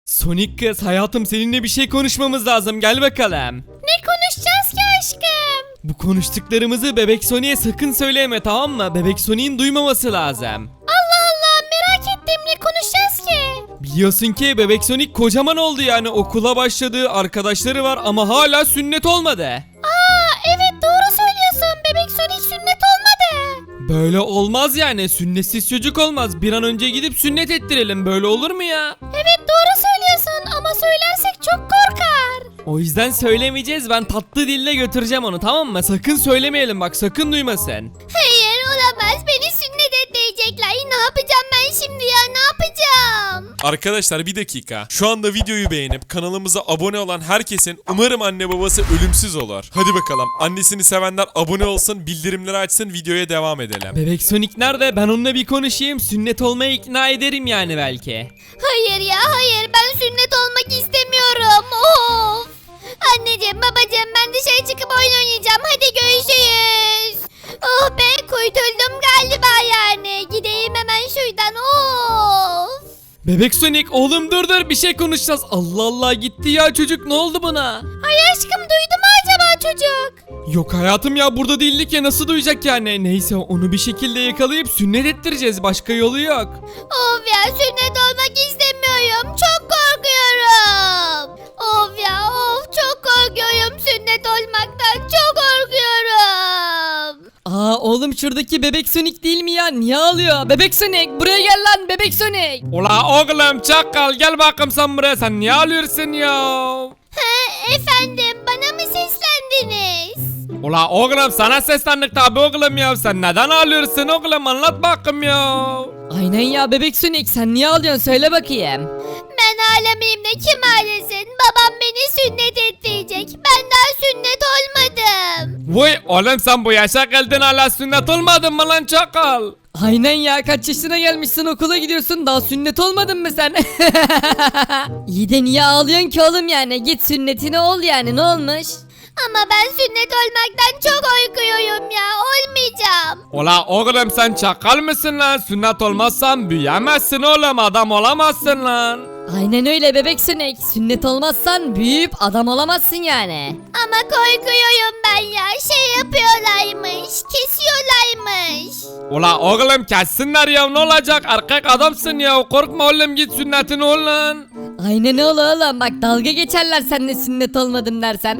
Sonic kız hayatım seninle bir şey konuşmamız lazım, gel bakalım. Ne konuşacağız ki aşkım? Bu konuştuklarımızı Bebek Sonic'e sakın söyleme, tamam mı? Bebek Sonic'in duymaması lazım. Allah Allah, merak ettim, ne konuşacağız ki? Biliyorsun ki Bebek Sonic kocaman oldu, yani okula başladı, arkadaşları var ama hala sünnet olmadı. Aa evet, doğru söylüyorsun, bebek Sonic sünnet olmadı. Böyle olmaz yani, sünnetsiz çocuk olmaz. Bir an önce gidip sünnet ettirelim, böyle olur mu ya? Evet doğru söylüyorsun ama söylersek çok korkar. O yüzden söylemeyeceğiz, ben tatlı dille götüreceğim onu, tamam mı? Sakın söylemeyelim bak, sakın duymasın. Hayır olamaz, beni sünnet edecekler. Ne yapacağım ben şimdi ya, ne yapacağım? Arkadaşlar bir dakika. Şu anda videoyu beğenip kanalımıza abone olan herkesin umarım anne babası ölümsüz olur. Hadi bakalım. Annesini sevenler abone olsun, bildirimleri açsın, videoya devam edelim. Bebek Sonic nerede? Ben onunla bir konuşayım, sünnet olmaya ikna ederim yani belki. Hayır ya hayır, ben sünnet olmak istemiyorum. Of. Anneciğim babacığım, ben dışarı çıkıp oyun oynayacağım. Hadi görüşürüz. Oh be, kurtuldum galiba yani. Gideyim hemen şuradan. Of. Bebek Sonic oğlum dur bir şey konuşacağız. Allah Allah, gitti ya çocuk, ne oldu buna? Ay aşkım, duydu mu acaba çocuk? Yok hayatım ya, burada değildik ya, nasıl duyacak yani? Neyse, onu bir şekilde yakalayıp sünnet ettireceğiz, başka yolu yok. Of ya, sünnet olmak istemiyorum. Çok korkuyorum. Of ya of, çok korkuyorum sünnet olmaktan. Çok korkuyorum. Aa oğlum, şuradaki Bebek Sonic değil mi ya? Niye ağlıyor? Bebek Sonic buraya gel lan, Bebek Sonic. Ula oğlum çakal, gel bakayım sen buraya, sen niye ağlıyorsun ya? Ha, efendim, bana mı seslendiniz? Ula oğlum sana seslendik tabi oğlum ya, sen neden ağlıyorsun oğlum, anlat bakayım ya. Aynen ya Bebek Sonic, sen niye ağlıyorsun söyle bakayım. Ben ağlamayayım da kim ağlasın? Babam beni sünnet ettirecek. Ben daha sünnet olmadım. Vay oğlum, sen bu yaşa geldin hala sünnet olmadın mı lan çakal? Aynen ya, kaç yaşına gelmişsin, okula gidiyorsun, daha sünnet olmadın mı sen? İyi de niye ağlıyorsun ki oğlum yani? Git sünnetine ol yani, ne olmuş? Ama ben sünnet olmaktan çok korkuyorum ya. Olmayacağım. Ula oğlum sen çakal mısın lan? Sünnet olmazsan büyüyemezsin oğlum, adam olamazsın lan. Aynen öyle Bebek Sonic, sünnet olmazsan büyüyüp adam olamazsın yani. Ama korkuyorum ben ya. Şey yapıyorlarmış. Kesiyorlarmış. Ula oğlum kessinler ya, ne olacak, erkek adamsın ya, korkma oğlum, git sünnetini ol lan. Aynen öyle oğlum, bak dalga geçerler seninle sünnet olmadım dersen.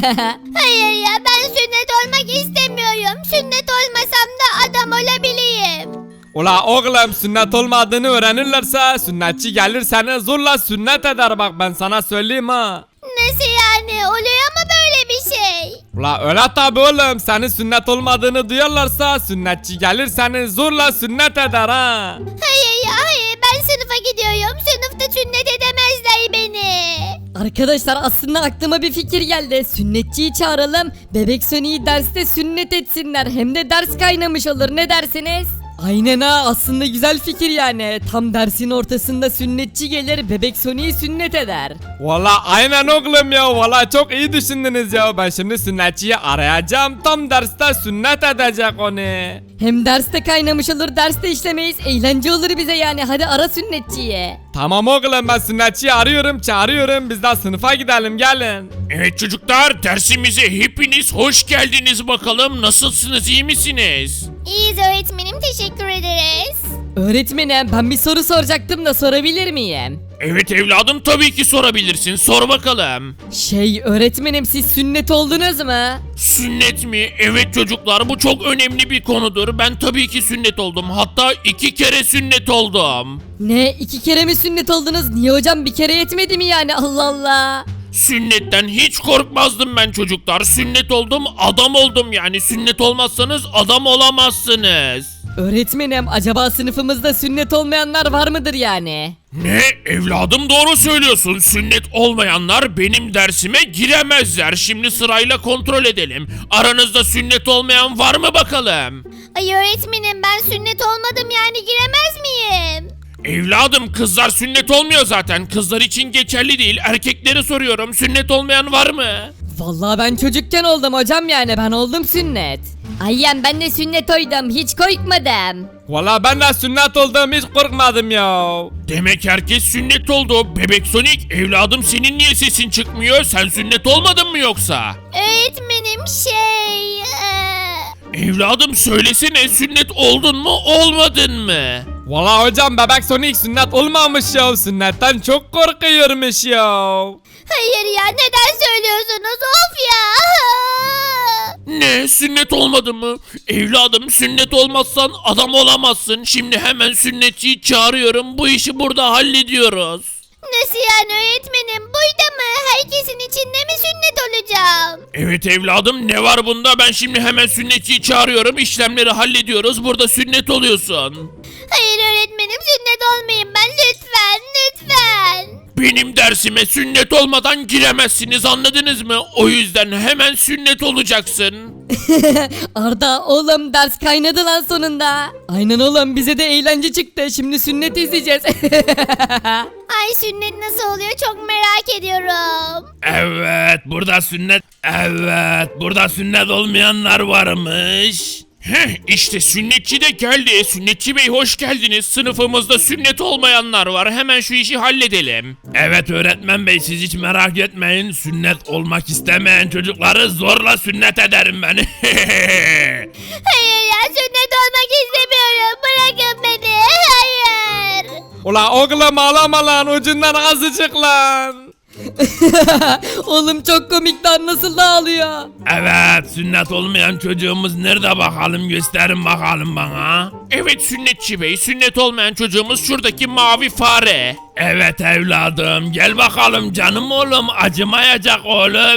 Hayır ya, ben sünnet olmak istemiyorum. Sünnet olmasam da adam olabileyim. Ula oğlum, sünnet olmadığını öğrenirlerse sünnetçi gelir seni zorla sünnet eder, bak ben sana söyleyeyim ha. Nasıl yani? Oluyor mu böyle bir şey? Ula öyle tabi oğlum, senin sünnet olmadığını duyarlarsa sünnetçi gelir seni zorla sünnet eder ha. Hayır ya hayır, ben sınıfa gidiyorum. Sınıfta sünnet edemezler beni. Arkadaşlar aslında aklıma bir fikir geldi. Sünnetçiyi çağıralım. Bebek Sonic'i derste sünnet etsinler. Hem de ders kaynamış olur. Ne dersiniz? Aynen ha, aslında güzel fikir yani. Tam dersin ortasında sünnetçi gelir, Bebek Sonic'i sünnet eder. Valla aynen oğlum ya, valla çok iyi düşündünüz ya, ben şimdi sünnetçiyi arayacağım, tam derste sünnet edecek onu. Hem derste kaynamış olur, derste işlemeyiz. Eğlence olur bize yani. Hadi ara sünnetçiyi. Tamam oğlum, ben sünnetçiyi arıyorum, çağırıyorum, biz de sınıfa gidelim, gelin. Evet çocuklar, dersimize hepiniz hoş geldiniz bakalım. Nasılsınız, iyi misiniz? İyiyiz öğretmenim, teşekkür ederiz. Öğretmenim, ben bir soru soracaktım da sorabilir miyim? Evet evladım, tabii ki sorabilirsin. Sor bakalım. Öğretmenim, siz sünnet oldunuz mu? Sünnet mi? Evet çocuklar, bu çok önemli bir konudur. Ben tabii ki sünnet oldum. Hatta 2 kere sünnet oldum. Ne, 2 kere mi sünnet oldunuz? Niye hocam, bir kere yetmedi mi yani? Allah Allah. Sünnetten hiç korkmazdım ben çocuklar. Sünnet oldum, adam oldum yani. Sünnet olmazsanız adam olamazsınız. Öğretmenim, acaba sınıfımızda sünnet olmayanlar var mıdır yani? Ne? Evladım doğru söylüyorsun. Sünnet olmayanlar benim dersime giremezler. Şimdi sırayla kontrol edelim. Aranızda sünnet olmayan var mı bakalım? Ay öğretmenim, ben sünnet olmadım yani, giremez miyim? Evladım kızlar sünnet olmuyor zaten. Kızlar için geçerli değil. Erkeklere soruyorum. Sünnet olmayan var mı? Vallahi ben çocukken oldum hocam, yani ben oldum sünnet. Aynen ben de sünnet oydum hiç korkmadım. Valla ben de sünnet oldum hiç korkmadım ya. Demek herkes sünnet oldu. Bebek Sonic evladım senin niye sesin çıkmıyor? Sen sünnet olmadın mı yoksa? Öğretmenim Evladım söylesene sünnet oldun mu olmadın mı? Valla hocam bebek Sonic sünnet olmamış ya. Sünnetten çok korkuyormuş ya. Hayır ya neden söylüyorsunuz of ya. Ne sünnet olmadı mı? Evladım sünnet olmazsan adam olamazsın. Şimdi hemen sünnetçiyi çağırıyorum. Bu işi burada hallediyoruz. Nasıl yani öğretmenim burada mı? Herkesin içinde mi sünnet olacağım? Evet evladım ne var bunda? Ben şimdi hemen sünnetçiyi çağırıyorum. İşlemleri hallediyoruz. Burada sünnet oluyorsun. Hayır öğretmenim sünnet olmayayım ben lütfen lütfen. Benim dersime sünnet olmadan giremezsiniz anladınız mı? O yüzden hemen sünnet olacaksın. Arda oğlum ders kaynadı lan sonunda. Aynen oğlum bize de eğlence çıktı. Şimdi sünnet izleyeceğiz. Ay sünnet nasıl oluyor çok merak ediyorum. Evet burada sünnet olmayanlar varmış. İşte sünnetçi de geldi. Sünnetçi bey hoş geldiniz. Sınıfımızda sünnet olmayanlar var. Hemen şu işi halledelim. Evet öğretmen bey siz hiç merak etmeyin. Sünnet olmak istemeyen çocukları zorla sünnet ederim ben. Hayır ya sünnet olmak istemiyorum bırakın beni hayır. Ula oğlum ağlama lan ucundan azıcık lan. Oğlum çok komik lan nasıl da ağlıyor. Evet sünnet olmayan çocuğumuz nerede bakalım gösterin bakalım bana. Evet sünnetçi bey sünnet olmayan çocuğumuz şuradaki mavi fare. Evet evladım gel bakalım canım oğlum acımayacak oğlum.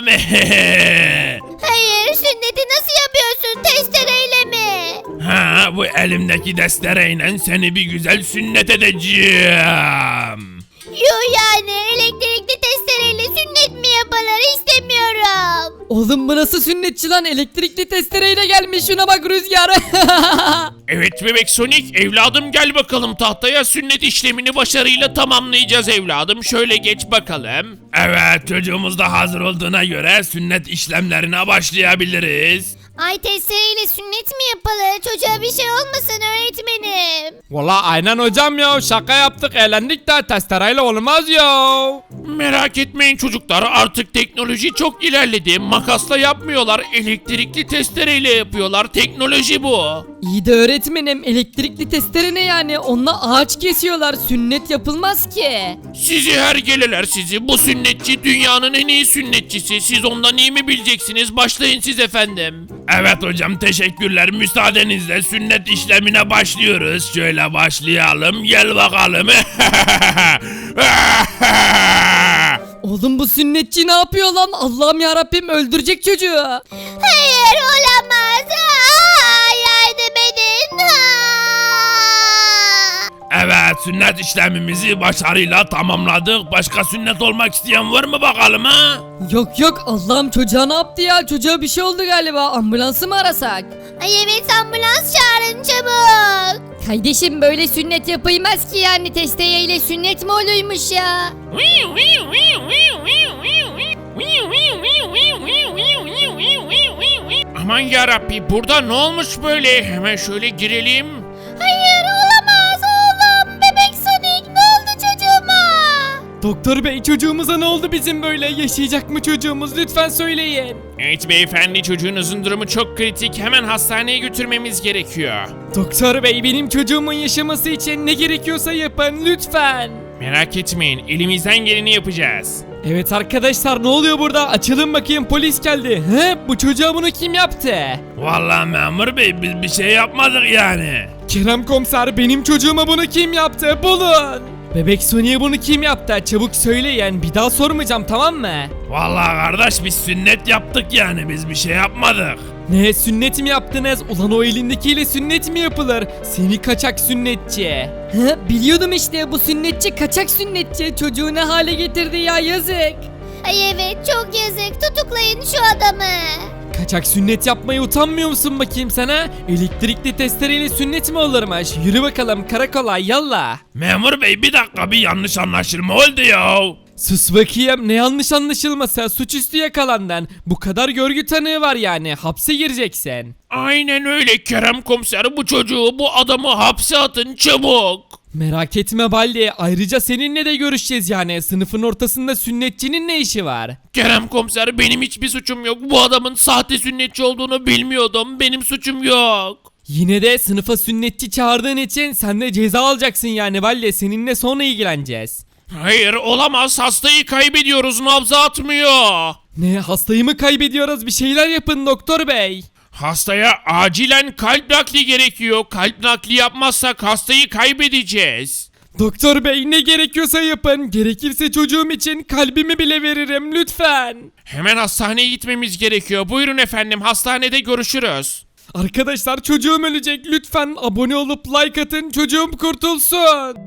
Hayır sünneti nasıl yapıyorsun testereyle mi? Ha bu elimdeki destereyle seni bir güzel sünnet edeceğim. Yuh yani elektrikli testereyle sünnet mi yapılır istemiyorum. Oğlum bu nasıl sünnetçi lan elektrikli testereyle gelmiş şuna bak Rüzgar. Evet bebek Sonic evladım gel bakalım tahtaya sünnet işlemini başarıyla tamamlayacağız evladım. Şöyle geç bakalım. Evet çocuğumuz da hazır olduğuna göre sünnet işlemlerine başlayabiliriz. Ay testereyle sünnet mi yapılır? Çocuğa bir şey olmasın öğretmenim. Valla aynen hocam ya şaka yaptık eğlendik de testereyle olmaz ya. Merak etmeyin çocuklar artık teknoloji çok ilerledi. Makasla yapmıyorlar elektrikli testereyle yapıyorlar teknoloji bu. İyi de öğretmenim elektrikli testere ne yani onunla ağaç kesiyorlar sünnet yapılmaz ki. Sizi hergeleler sizi bu sünnetçi dünyanın en iyi sünnetçisi siz ondan iyi mi bileceksiniz başlayın siz efendim. Evet hocam teşekkürler müsaadenizle sünnet işlemine başlıyoruz şöyle başlayalım gel bakalım. Oğlum bu sünnetçi ne yapıyor lan Allah'ım yarabbim öldürecek çocuğu. Hayır olamaz. Aa, yardım edin. Evet sünnet işlemimizi başarıyla tamamladık başka sünnet olmak isteyen var mı bakalım ha? Yok yok Allah'ım çocuğa ne yaptı ya çocuğa bir şey oldu galiba ambulansı mı arasak? Ay evet ambulans çağırın çabuk. Kardeşim böyle sünnet yapılmaz ki yani testereyle sünnet mi oluymuş ya? Aman yarabbi burada ne olmuş böyle hemen şöyle girelim. Hayır olamaz oğlum. Bebek Sonic ne oldu çocuğuma? Doktor bey çocuğumuza ne oldu bizim böyle yaşayacak mı çocuğumuz lütfen söyleyin. Evet beyefendi çocuğunuzun durumu çok kritik hemen hastaneye götürmemiz gerekiyor. Doktor bey benim çocuğumun yaşaması için ne gerekiyorsa yapın lütfen. Merak etmeyin elimizden geleni yapacağız. Evet arkadaşlar ne oluyor burada? Açılın bakayım polis geldi. He bu çocuğa bunu kim yaptı? Vallahi memur bey biz bir şey yapmadık yani. Kerem komiser benim çocuğuma bunu kim yaptı? Bulun. Bebek Sonic'e bunu kim yaptı? Çabuk söyleyin bir daha sormayacağım tamam mı? Vallahi kardeş biz sünnet yaptık yani biz bir şey yapmadık. Ne sünnet mi yaptınız? Ulan o elindekiyle sünnet mi yapılır? Seni kaçak sünnetçi. Hı, biliyordum işte bu sünnetçi kaçak sünnetçi çocuğu ne hale getirdi ya yazık. Ay evet çok yazık tutuklayın şu adamı. Kaçak sünnet yapmaya utanmıyor musun bakayım sana? Elektrikli testereyle sünnet mi olurmuş? Yürü bakalım karakola yallah. Memur bey bir dakika bir yanlış anlaşılma oldu ya. Sus bakayım, ne yanlış anlaşılması, suçüstü yakalandın. Bu kadar görgü tanığı var yani, hapse gireceksin. Aynen öyle Kerem komiser, bu çocuğu, bu adamı hapse atın çabuk. Merak etme Baldi, ayrıca seninle de görüşeceğiz yani. Sınıfın ortasında sünnetçinin ne işi var? Kerem komiser, benim hiçbir suçum yok. Bu adamın sahte sünnetçi olduğunu bilmiyordum. Benim suçum yok. Yine de sınıfa sünnetçi çağırdığın için sen de ceza alacaksın yani Baldi, seninle sonra ilgileneceğiz. Hayır, olamaz, hastayı kaybediyoruz, nabza atmıyor. Ne, hastayı mı kaybediyoruz? Bir şeyler yapın doktor bey. Hastaya acilen kalp nakli gerekiyor. Kalp nakli yapmazsak hastayı kaybedeceğiz. Doktor bey, ne gerekiyorsa yapın. Gerekirse çocuğum için kalbimi bile veririm lütfen. Hemen hastaneye gitmemiz gerekiyor. Buyurun efendim, hastanede görüşürüz. Arkadaşlar çocuğum ölecek, lütfen abone olup like atın, çocuğum kurtulsun.